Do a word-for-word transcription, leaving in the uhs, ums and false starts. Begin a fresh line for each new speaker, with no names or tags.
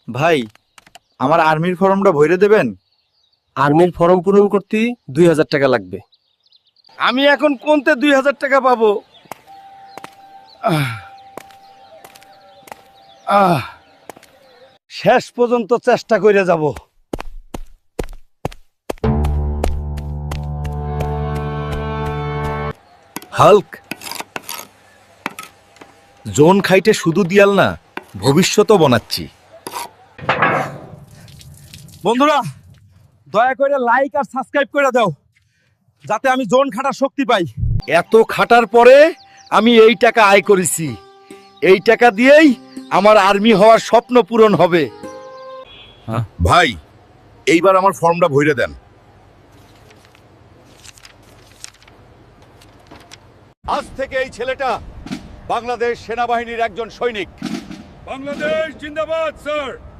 ভাই, আমার আর্মির ফর্মটা ভরে দেবেন?
আর্মির ফর্ম পূরণ করতে দুই হাজার টাকা লাগবে।
আমি এখন কোনতে দুই হাজার টাকা পাবো? আহ, আহ, শেষ পর্যন্ত চেষ্টা করে যাব।
হাল্ক, জোন খাইটে শুধু দিয়াল না, ভবিষ্যতও বানাচ্ছি।
বন্ধুরা, দয়া করে লাইক আর সাবস্ক্রাইব করে দাও, যাতে আমি জোন খাটার শক্তি পাই।
এত খাটার পরে আমি এই টাকা আয় করেছি। এই টাকা দিয়েই আমার আর্মি হওয়ার স্বপ্ন পূরণ হবে।
ভাই, এইবার আমার ফর্মটা ভরে দেন।
আজ থেকে এই ছেলেটা বাংলাদেশ সেনাবাহিনীর একজন সৈনিক।
বাংলাদেশ জিন্দাবাদ স্যার।